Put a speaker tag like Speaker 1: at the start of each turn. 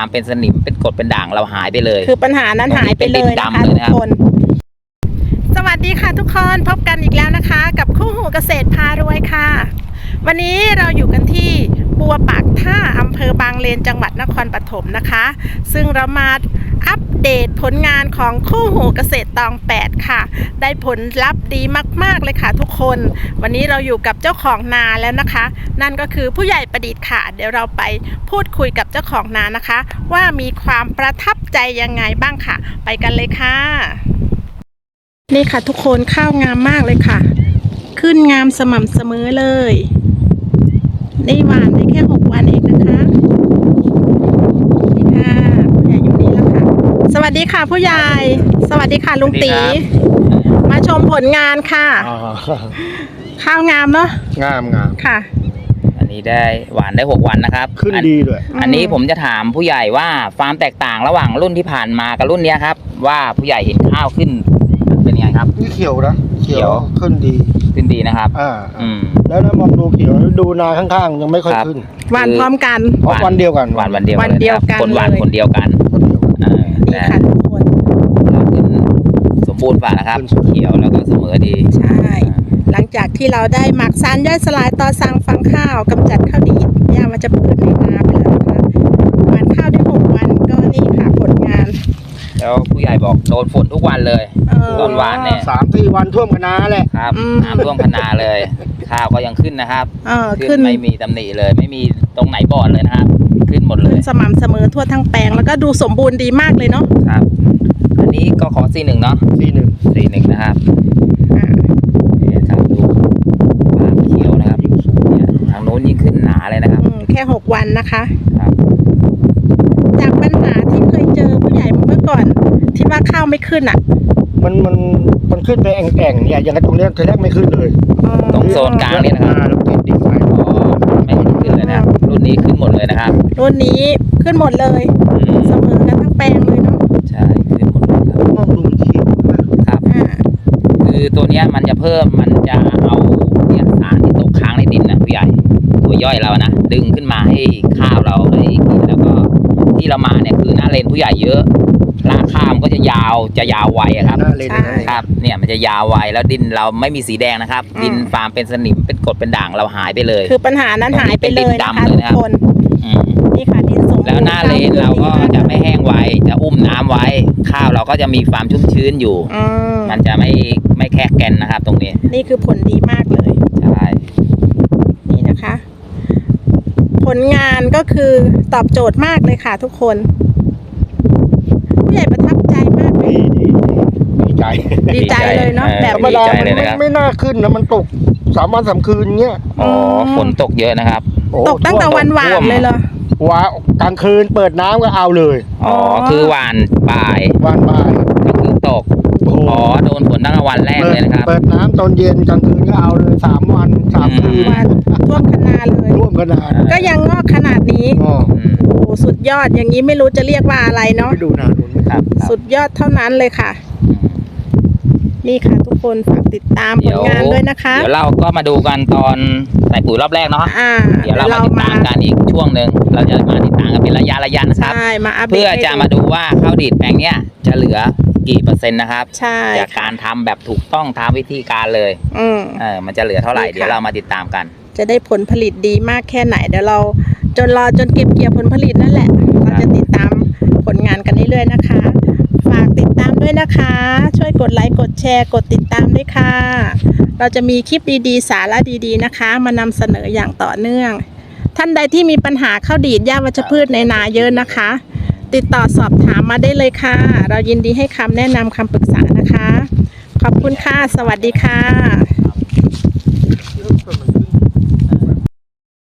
Speaker 1: เป็นสนิมเป็นกรดเป็นด่างเราหายไปเลย
Speaker 2: คือปัญหานั้นหายไปเลยนะคะทุกคนสวัสดีค่ะทุกคนพบกันอีกแล้วนะคะกับคู่หูเกษตรพารวยค่ะวันนี้เราอยู่กันที่บัวปากท่าอำเภอบางเลนจังหวัดนครปฐมนะคะซึ่งเรามาอัปเดตผลงานของคู่หูเกษตรตอง8ค่ะได้ผลลัพธ์ดีมากๆเลยค่ะทุกคนวันนี้เราอยู่กับเจ้าของนาแล้วนะคะนั่นก็คือผู้ใหญ่ประดิษฐ์ค่ะเดี๋ยวเราไปพูดคุยกับเจ้าของนานะคะว่ามีความประทับใจยังไงบ้างค่ะไปกันเลยค่ะนี่ค่ะทุกคนข้าวงามมากเลยค่ะขึ้นงามสม่ำเสมอเลยนี่หวานได้แค่6 วันเองนะคะนี่ค่ะผู้ใหญ่อยู่นี่แล้วค่ะสวัสดีค่ะผู้ใหญ่สวัสดีค่ะลุงตีมาชมผลงานค่ะข้าวงามเนาะ
Speaker 3: งาม
Speaker 2: ค่ะ
Speaker 1: อันนี้ได้หวานได้6 วันนะครับ
Speaker 3: ขึ้นดีด้วย
Speaker 1: อันนี้ผมจะถามผู้ใหญ่ว่าความแตกต่างระหว่างรุ่นที่ผ่านมากับรุ่นนี้ครับว่าผู้ใหญ่เห็นข้าวขึ้นเป็นยังไงครับ
Speaker 3: นี่เขียวนะเขียวขึ้นดี
Speaker 1: นะครับ
Speaker 3: แล้วมองดูเขียวดูนาข้างๆยังไม่ค่อยขึ้น
Speaker 2: หวานพร้อมกัน
Speaker 3: วันเดียวกัน
Speaker 1: หวานวันเดียวกันคนหวานคนเดียวกัน
Speaker 2: นี่ค่ะทุกคน
Speaker 1: เราขึ้นสมบูรณ์ฝ่านะครับเขียวแล้วก็เสมอดี
Speaker 2: ใช่หลังจากที่เราได้หมักสารย่อยสลายต่อสั่งฟางข้าวกำจัดข้าวดีดหญ้ามันจะพืชในนาไปแล้วนะคะหวานข้าวได้6 วันก็นี่ค่ะผลงาน
Speaker 1: แล้วผู้ใหญ่บอกโดนฝนทุกวันเลยตอนหวานเนี่ย
Speaker 3: 3-4 วันท่วมคะนาแหละ
Speaker 1: ครับน้ำท่วมคะนาเลยข้าวก็ยังขึ้นนะครับขึ้นไม่มีตำหนิเลยไม่มีตรงไหนบอดเลยนะครับขึ้นหมดเลย
Speaker 2: สม่ำเสมอทั่วทั้งแปลงแล้วก็ดูสมบูรณ์ดีมากเลยเนาะ
Speaker 1: ครับอันนี้ก็ขอC1เนาะC1นะครับนี่ครับดูความเขียวนะครับทางโน้นยิ่งขึ้นหนาเลยนะครับ
Speaker 2: แค่6 วันนะคะ
Speaker 1: ครับ
Speaker 2: จากปัญหาที่เคยเจอผู้ใหญ่เมื่อก่อนที่ว่าข้าวไม่ขึ้นอ่ะ
Speaker 3: มันขึ้นไปแอ่งๆเนี่ยอย่างตรงนี้ทีแรกไม่ขึ้นเลย
Speaker 1: ตรงโซนกลางนี่นะครับไม่ขึ้นเลยนะครับรุ่นนี้ขึ้นหมดเลยนะครับ
Speaker 2: รุ่นนี้ขึ้นหมดเลยเสมอกันทั้งแปลงเลยเนาะ
Speaker 1: ใช่ขึ้นหมดเลยครับ
Speaker 3: มองดูเขียว
Speaker 1: ครับคือตัวนี้มันจะเอาเนี่ยสารที่ตกค้างในดินนะผู้ใหญ่ตัวย่อยเรานะดึงขึ้นมาให้ข้าวเราได้กินแล้วก็ที่เรามาเนี่ยคือหน้าเลนผู้ใหญ่เยอะรากข้าวมันก็จะยาวไวครับครับเนี่ยมันจะยาวไวแล้วดินเราไม่มีสีแดงนะครับดินฟาร์มเป็นสนิมเป็นกรดเป็นด่างเราหายไปเลย
Speaker 2: คือปัญหานั้นหายไปเลยนะคะทุกคนนี่ค่ะดินสมบูรณ์
Speaker 1: แล้วหน้าเลนเราก็จะไม่แห้งไวจะอุ้มน้ำไว้ข้าวเราก็จะมีความชุ่มชื้นอยู่มันจะไม่แคกแกนนะครับตรงนี้
Speaker 2: นี่คือผลดีมากเลย
Speaker 1: ใช่
Speaker 2: นี่นะคะผลงานก็คือตอบโจทย์มากเลยค่ะทุกคนผู้ใหญ่ประทับใจมากเลยดีใจเลยเนาะแบบ
Speaker 3: ธรรมดาไม่น่าขึ้นนะมันตก3 วัน 3 คืนเงี้ย
Speaker 1: ฝนตกเยอะนะครับ
Speaker 2: ตกตั้งแต่วันหวานเลยเหรอ
Speaker 3: กลางคืนเปิดน้ำก็เอาเลย
Speaker 1: คือหวานบ่าย
Speaker 3: ก็
Speaker 1: คือตกโดนฝนตั้งแต่วันแรกเลยนะครับ
Speaker 3: เปิดน้ำตอนเย็นกลางคืนก็เอาเลย3 วัน 3 คืน
Speaker 2: ท่วมคะนาเลยก็ยังงอกขนาดนี้โอ้สุดยอดอย่างนี้ไม่รู้จะเรียกว่าอะไรเนาะ
Speaker 3: ดูนาดู
Speaker 1: ครับ
Speaker 2: สุดยอดเท่านั้นเลยค่ะนี่ค่ะทุกคนฝากติดตามผลงานด้วยนะคะ
Speaker 1: เดี๋ยวเราก็มาดูกันตอนใส่ปุ๋ยรอบแรกเนาะเดี๋ยวเรามาติดตามกันอีกช่วงหนึ่งเราจะมาติดตามกันเป็นระยะนะครับเพื่อจะมาดูว่าข้าวดีดแปลงเนี้ยจะเหลือกี่%นะครับจากการทำแบบถูกต้องตามวิธีการเลยมันจะเหลือเท่าไหร่เดี๋ยวเรามาติดตามกัน
Speaker 2: จะได้ผลผลิตดีมากแค่ไหนเดี๋ยวเราจนเก็บเกี่ยวผลผลิตนั่นแหละเราจะติดตามผลงานกันเรื่อยๆนะคะฝากติดตามด้วยนะคะช่วยกดไลค์กดแชร์กดติดตามด้วยค่ะเราจะมีคลิปดีๆสาระดีๆนะคะมานำเสนออย่างต่อเนื่องท่านใดที่มีปัญหาข้าวดีดหญ้าวัชพืชในนาเยอะนะคะติดต่อสอบถามมาได้เลยค่ะเรายินดีให้คำแนะนำคำปรึกษานะคะขอบคุณค่ะสวัสดีค่ะ